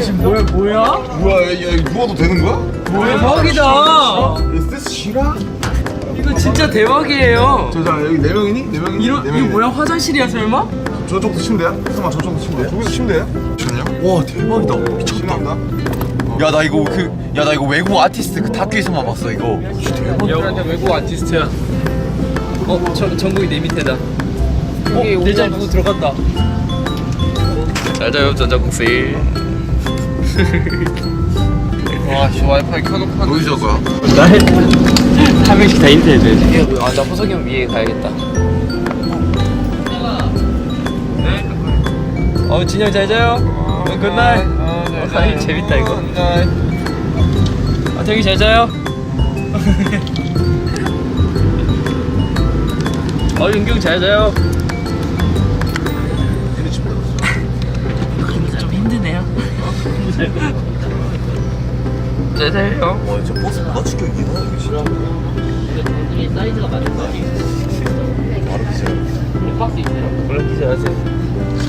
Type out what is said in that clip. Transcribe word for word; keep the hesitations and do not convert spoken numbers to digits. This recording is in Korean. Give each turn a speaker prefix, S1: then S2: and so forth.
S1: 지금 뭐야 뭐야?
S2: 뭐야, 야, 야, 누워도 되는 거야?
S1: 대박이다.
S2: 스트레스 싫어?
S1: 이거 진짜 대박이에요.
S2: 저, 자, 여기 네 명이니? 네 명이니?
S1: 이런
S2: 네
S1: 이거
S2: 명이네.
S1: 뭐야 화장실이야 설마?
S2: 저쪽도 침대야? 잠깐만, 저쪽도 침대야? 저기도 침대야? 미쳤냐? 와, 대박이다. 미쳤다.
S3: 야 나 이거 그 야 나 이거 외국 아티스트 그 다큐에서만 봤어 이거.
S1: 여기한테 외국 아티스트야. 어, 저, 전국이 내 밑에다. 여기 어, 내장 누구 들어갔다. 잘 자요 전자국세.
S3: 와 씨 와이파이 켜놓고 하는
S2: 어디서 거야?
S1: 한 명씩 다 인터넷 돼. 아, 나 호석이 형 위에 가야겠다. 어, 진영 잘 자요. 어, 굿나잇. 어, 아이, 재밌다 이거. 아, 되게 잘 자요. 어, 윤경 잘 자요. 좀 힘드네요. 잘 자요.
S3: 와 진짜 버스 누가 추격이야 이거 진짜.
S1: 이 사이즈가 맞는 거 아니에요?
S3: 바로 기절.
S1: 박스 있어요.
S3: 원래 기절하세요.